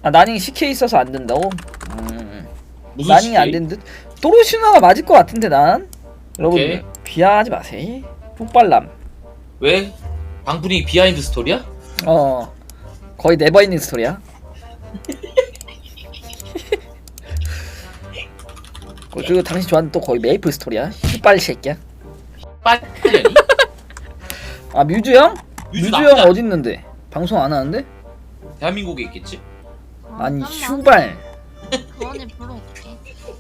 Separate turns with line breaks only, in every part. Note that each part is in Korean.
아 나닝 CK 있어서 안 된다고?
무슨
나닝이 안 된 듯? 또르시누아가 맞을 것 같은데 난? 여러분들
오케이.
비하하지 마세요. 폭발남.
왜? 방풀이 비하인드 스토리야?
거의 네버엔딩 스토리야. 그리고 당신 좋아하는 또 거의 메이플 스토리야. 씨발 새끼야.
빨리.
아 뮤즈 형?
뮤즈
뮤즈 형
나쁘지
어디 있는데? 방송 안 하는데?
대한민국에 있겠지?
아니 슈발.
가은이 불러올게.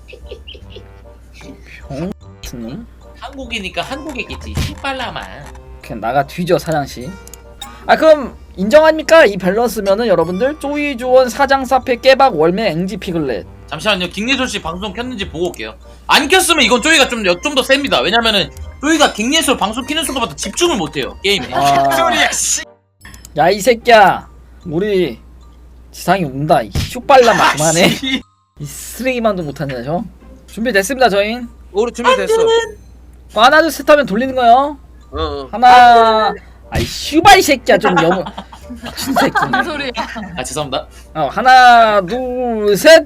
병 놈?
한국이니까 한국에 있겠지. 신발라마.
그냥 나가 뒤져 사장씨. 아 그럼 인정합니까? 이 밸런스면은 여러분들 쪼이 조원 사장 사패 깨박 월매 앵지 피글렛.
잠시만요. 김예솔 씨 방송 켰는지 보고 올게요. 안 켰으면 이건 쪼이가 좀 더 셉니다. 왜냐면은 쪼이가 김예솔 방송 키는 순간부터 집중을 못해요 게임에.
소리야 씨.
야 이 새끼야. 우리 지상이 온다. 이 슈발라마 그만해. 이 쓰레기만도 못하네 저. 준비됐습니다 저희.
우리 준비됐어.
하나 둘 셋 하면 돌리는 거요. 하나. 아이 슈발 이 새끼야 좀 너무 미친 새끼네.
무슨 소리야?
아 죄송합니다.
하나 둘 셋.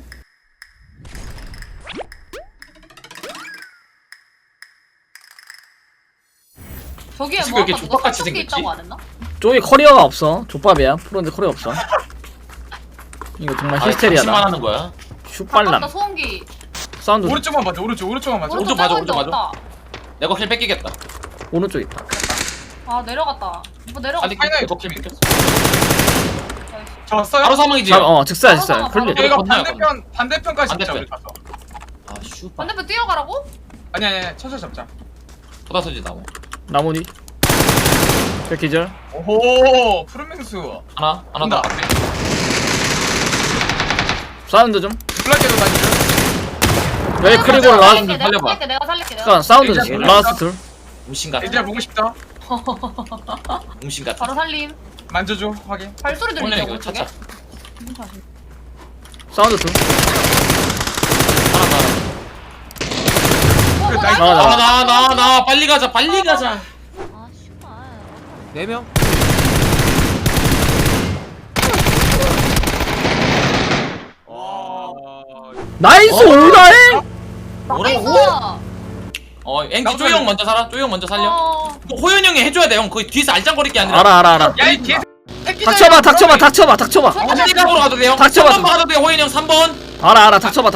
저기에
지금
뭐
이렇게
아까 누가
족밥같이
설정기
생겼지?
있다고 안 했나?
쪼이 커리어가 없어. 족밥이야. 프로인데 커리어 없어. 이거 정말
만
히스테리아다.
하는 거야.
슈발람.
아깝다 소음기.
사운드
오른쪽만 맞아. 오른쪽만 맞아.
오른쪽 맞아, 오른쪽 맞아.
없다.
내가 힐 뺏기겠다.
오른쪽 있다.
아 내려갔다. 뭐 내려갔다.
아니
파이널
이거 힐 뺏겼어.
잡았어요?
바로 사망이지.
즉사야
바로
즉사야.
나와,
클리.
바로
이거
건너요,
반대편까지 잡자
반대편.
우리 가서.
아 슈발.
반대편 뛰어가라고?
아니 천천히 잡자.
쏟아서지 나무.
나무니. 백기절.
오호 푸른 맹수.
하나 더.
온다.
사운드 좀.
블랙에도 다니죠.
여기 크리고
내가
라스트.
살릴게,
살려봐.
내가 살릴게.
잠깐 사운드
이제
좀.
몰라.
라스트 둘.
음신 같은.
이제 보고 싶다.
음신 같은.
바로 살림.
만져줘 확인.
발소리
오늘
들리죠
이거
오른쪽에?
차차.
사운드 둘.
그래, 나이스.
나 빨리 가자 빨리 가자.
아 씨발.
4명?
와.
나이스 올라해.
뭐라고? 앵지 쪼이 형 먼저 살아. 쪼이 형 먼저 살려. 이거 호연 형이 해줘야 돼 형. 거기 뒤에서 알짱거릴 게 아니라.
알아.
야이 개.
닥쳐봐.
반대각으로 가도 돼요.
닥쳐봐.
3번 가도 돼요. 호연 형 3번.
알아. 닥쳐봐.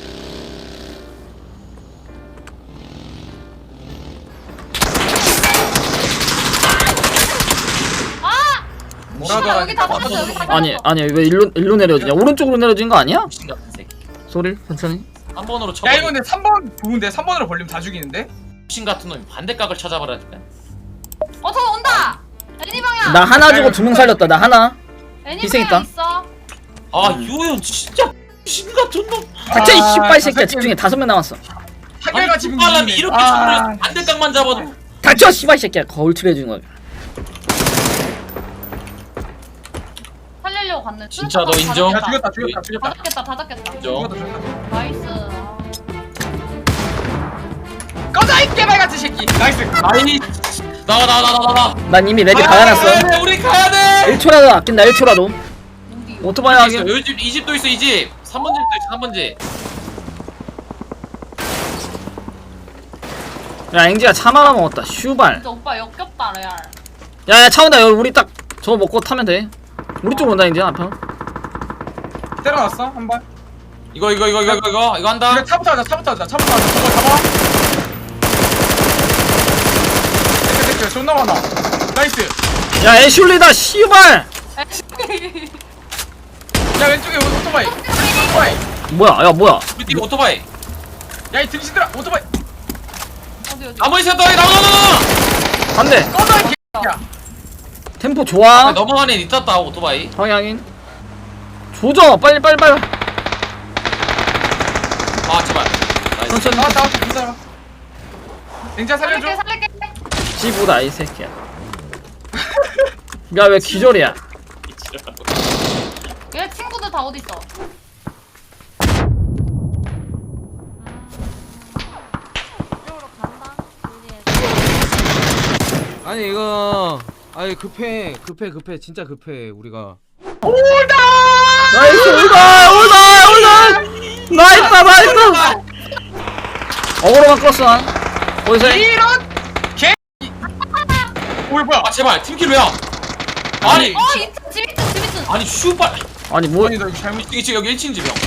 뭐라더라.
여기 다 잡았어 여기 다
아니 왜 일로 내려지냐? 오른쪽으로 내려진 거 아니야?
음신 같은 새끼.
소리 천천히.
3번으로 쳐.
야 이거 근데 3번 좋은데 3번으로 벌리면 다 죽이는데?
음신 같은 놈이 반대각을 찾아버려야겠다.
저거 온다. 애니 방향.
나 하나 주고 2명 살렸다. 나 하나.
애니
희생했다.
방향 있어.
아 유현 진짜 신 같은 놈.
닥쳐 이 씨발 새끼야.
새끼.
집중해. 5명 남았어.
한결가 지금
사람이 이렇게 쳐버려.
아,
반대각만 잡아도.
닥쳐 씨발 새끼야. 거울 칠해주는 거야.
살리려고 갔네.
진짜 너
수류탄
인정?
야
다
죽였다.
잡겠다 다 잡겠다.
인정.
나이스.
꺼져 이 개발 같은 새끼. 나이스.
아이 나와.
난 이미 레디 박아놨어.
우리 가야 돼.
1초라도 아낀다. 1초라도.
용기.
오토바이 하게.
이 집도 있어 이 집. 3번 집도 있어 3번 집.
야 앵지가 차 말아 먹었다. 슈발.
진짜 오빠 역겹다 레알.
야야 차 온다. 여기 우리 딱 저거 먹고 타면 돼. 우리 쪽으로 온다 앵지야 앞에.
때려놨어 한 발.
이거 한다.
그래 차부터 하자. 저거 잡아. 됐어. 존나 많아. 나이스.
야 애슐리다 씨발.
야 왼쪽에 오토바이.
뭐야.
우리 팀 오토바이.
야이 등신들아 오토바이.
어디.
나무 있었다. 나와.
안돼.
꺼져 이 개야.
템포 좋아.
넘어가네 있었다 오토바이.
방향인. 조져 빨리.
아 제발. 나이스.
천천히.
나왔다. 기다려. 냉자 살려줘.
살릴게.
지보다 이 새끼야. 야 왜 기절이야?
얘 친구들 다 어디 있어? 이쪽으로 간다.
아니 이거 급해 진짜 급해 우리가.
나이스 올다. 나이스. 어그로만 끌었어 난. 어디서 해?
이런 개. 오 뭐야?
아 제발 팀킬 왜야? 아니
집있음.
아니 슈발.
아니 뭐?
아니 나 이거 잘못.
이게 지금 여기 1층 집이야.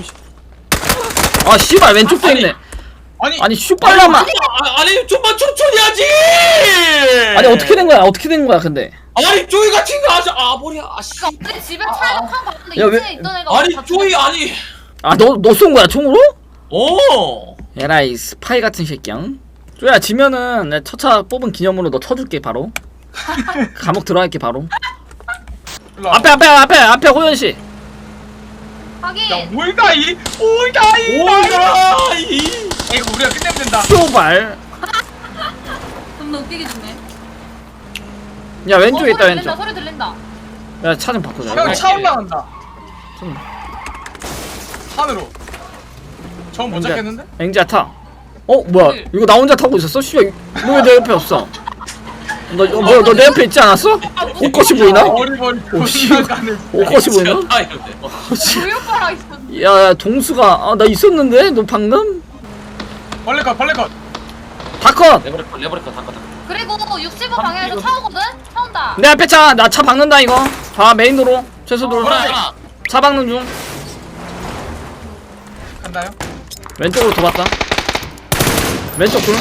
아 씨발 왼쪽도 있네.
아니
아니 슈빨라마.
아니 좀만 천천히 하지.
아니 어떻게 된 거야? 어떻게 된 거야 근데?
아니 쪼이가 튕겨 하자. 아 머리야. 아 씨.
우리 집에 차이가 판 봤는데
야, 왜-
2층에 있던 애가
아니
다
쪼이
죽었어.
아니.
아 너 쏜 거야 총으로?
오.
에라이 스파이 같은 새끼야. 쪼야 지면은 내 첫차 뽑은 기념으로 너 쳐줄게 바로. 감옥 들어갈게 바로.
일로 와.
앞에 호연 씨.
하긴
야 올다이 올다이.
오야 이.
이거 우리가 끝내면 된다.
쇼발.
좀 웃기게 죽네.
야 왼쪽에 있다
소리
왼쪽.
들린다, 소리 들린다.
야 차 좀 바꾸자.
형 차 올라간다.
좀.
산으로. 전 못
앵자.
잡겠는데?
앵지야 타. 뭐야 이거 나 혼자 타고 있었어? 씨발 너 왜 내 옆에 없어? 너 내 옆에 있지 않았어? 옷것이 보이나?
어리버리
오, 씨.
존나가네.
옷것이 보이나?
아 이런데.
우리 오빠랑 있었는데.
야 동수가 나 있었는데 너 방금?
벌레 컷.
다컷.
레버리커 닦아.
그리고 65 방향에서 차 오거든? 차 온다.
내 앞에 차 나 차 박는다 이거. 봐 메인 도로 최소도로.
하나.
차 박는 중.
간다요?
왼쪽으로 돌았다. 왼쪽 둘.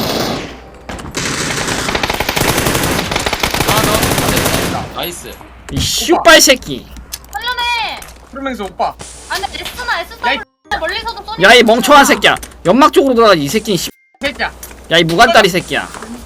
하나 더. 나이스.
이 슈빨 새끼.
살려내.
프로맹스 오빠.
아니 S나
야, 이-
멀리서도 쏘니.
야 이 멍청한 새끼야. 연막 쪽으로 돌아가지 이 새끼.
새끼야.
야 이 무간다리 새끼야.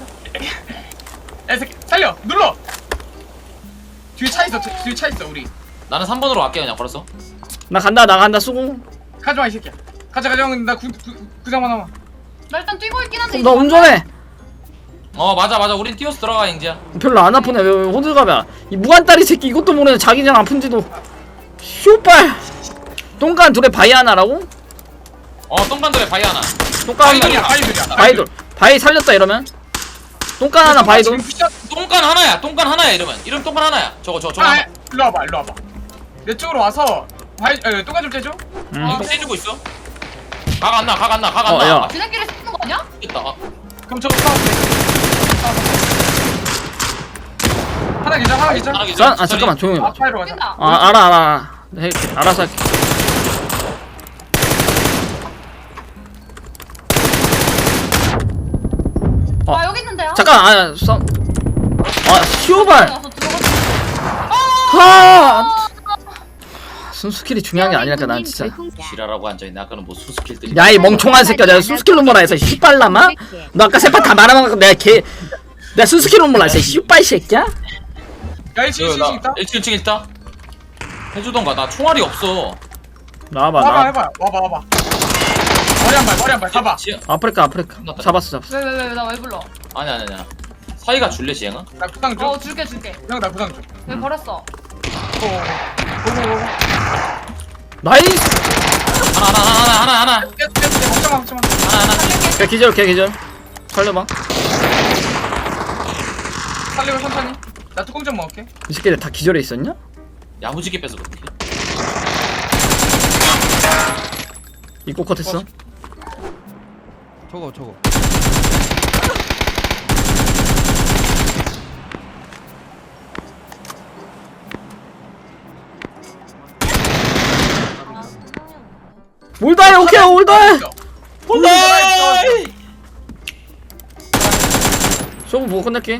야 새끼 살려. 눌러. 뒤에 차 있어. 뒤에 차 있어 우리.
나는 3번으로 갈게 그냥 걸었어.
나 간다 수고.
가져와 이 새끼야. 가자 형. 나 구장만 남아.
나 일단 뛰고 있긴 한데.
너 운전해.
맞아. 우린 뛰어서 들어가 잉지야.
별로 안 아프네. 왜 호들갑이야. 이 무간다리 새끼 이것도 모르네. 자기장 아픈지도. 슈빨. 똥간 둘에 바위 하나라고?
똥간들의 바위 하나.
똥간
바이들이야.
하나.
바이들이야.
바위돌. 바위 살렸다 이러면. 똥간 하나 바위돌.
똥간 하나야 이러면. 이름 똥간 하나야. 저거
아, 일로 와봐. 내 쪽으로 와서 똥가 좀 떼줘.
응.
떼주고 있어. 각 안 나.
야.
지네끼리 쓰는 거 아니야?
됐다.
그럼 저거 싸워. 하나 기자.
하나 기절.
아 잠깐만 조용히 봐.
앞파이로 가자.
뛴다.
아 알아. 해, 알아서 할게.
아 여기 있는데요?
잠깐 슈발.
가서 들어갔어.
하. 순스킬이 중요한 게 아니랄까 난 진짜.
지랄하고 앉아있네. 아까는 뭐 수스킬들이.
야 이 멍청한 새끼야. 내가 순스킬로 몰라 해서 씨발라마? 너 아까 세판 다 말아먹고 내가 순스킬로 몰라 해서 씨발 새끼야?
야 1층 있다.
1층 있다. 해주던가. 나 총알이 없어.
나와봐
와봐
나.
해봐. 와봐. 머리 한 발. 가봐.
아프리카 잡았어.
왜 나 왜 불러?
아니. 사이가 줄래 지행아?
나 구상 줘.
줄게.
형 나 구상 줘.
왜 버렸어?
나이스.
하나.
걱정 마.
하나.
걔 기절. 살려봐.
살리고 천천히. 나 뚜껑 좀 먹을게.
이 새끼들 다 기절해 있었냐?
야무지게 뺏어 그렇게.
입고 컷했어.
저거
올다해 오케이 올다해.
홀라이.
쇼부 보고 끝낼게.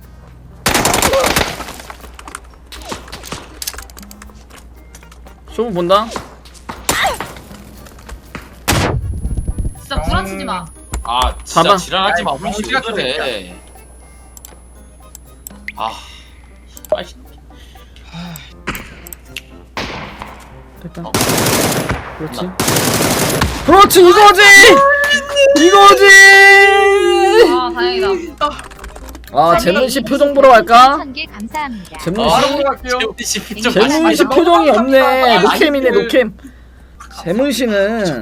쇼부 본다.
진짜 구라치지 마.
아 진짜
잡아.
지랄하지 마.
야,
우리
멍청이
그래. 빨리.
됐다. 그렇지 이거지.
아 다행이다.
재문씨 표정 보러 갈까?
1000개 감사합니다.
재문씨
바로 들어갈게요.
재문씨 표정이 없네. 노캠이네 노캠. 재문씨는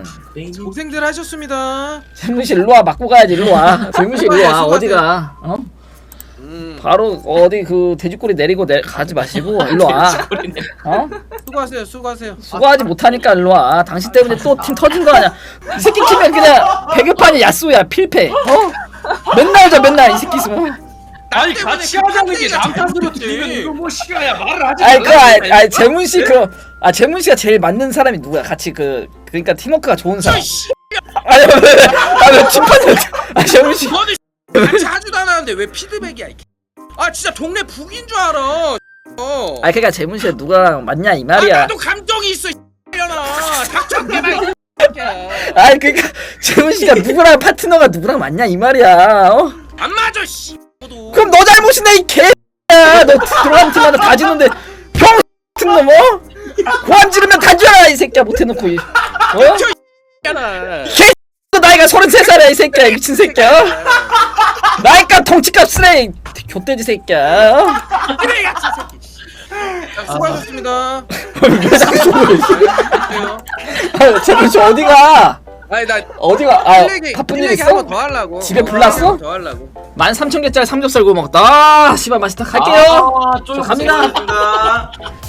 고생들 하셨습니다.
재문씨 일로와 맞고 가야지 일로와. 재문씨 일로와 어디가? 바로 어디 그 돼지꼬리 내리고 가지 마시고 일로 와. 어?
수고하세요. 수고하세요.
수고하지 못하니까 일로 와. 당신 때문에 또 팀 터진 거 아니야. 이 새끼 키면 그냥 배급판이 야수야. 필패. 어? 맨날 저 맨날 이 새끼 있으면.
아니 같이 하자는 게 남탓으로 들리면 이거 뭐 시간이야 말을 하지
아이
말라.
그 재문 씨 그 재문 씨가 제일 맞는 사람이 누구야? 같이 그러니까 팀워크가 좋은 사람. 아니 왜 심판을 재문 씨.
너는 같이 하지도 않았는데 왜 피드백이야? 아 진짜 동네 북인 줄 알아.
아 그러니까 재문 씨가 누가랑 맞냐 이
아,
말이야.
나도 감정이 있어. 이년아 닥쳐 개발.
아이 그러니까 재문 씨가 누구랑 파트너가 누구랑 맞냐 이 말이야. 어?
안 맞아 씨. 너도.
그럼 너 잘못이네 이 개야. 너 들어가는 팀마다 다 지는데 병 같은 놈 어? 고함 지르면 다 줘라 이 새끼야 못해놓고 이. 어?
잖아.
너 나이가 33살이야 이 새끼야 미친 새끼야. 어? 나이값 덩치값 쓰레 좆돼지 새끼야. 어?
그래 같이 새끼. 자, 수고하셨습니다.
왜 자꾸 저러고
그래요.
있어? 재문 씨 어디가?
아니 나
어디가? 바쁜 일 있어?
한번 더 하려고.
집에 불났어?
더 하려고.
13,000개짜리 삼겹살 구워 먹었다. 아 씨발 맛있다. 갈게요.
아,
저 갑니다.
고생하셨습니다.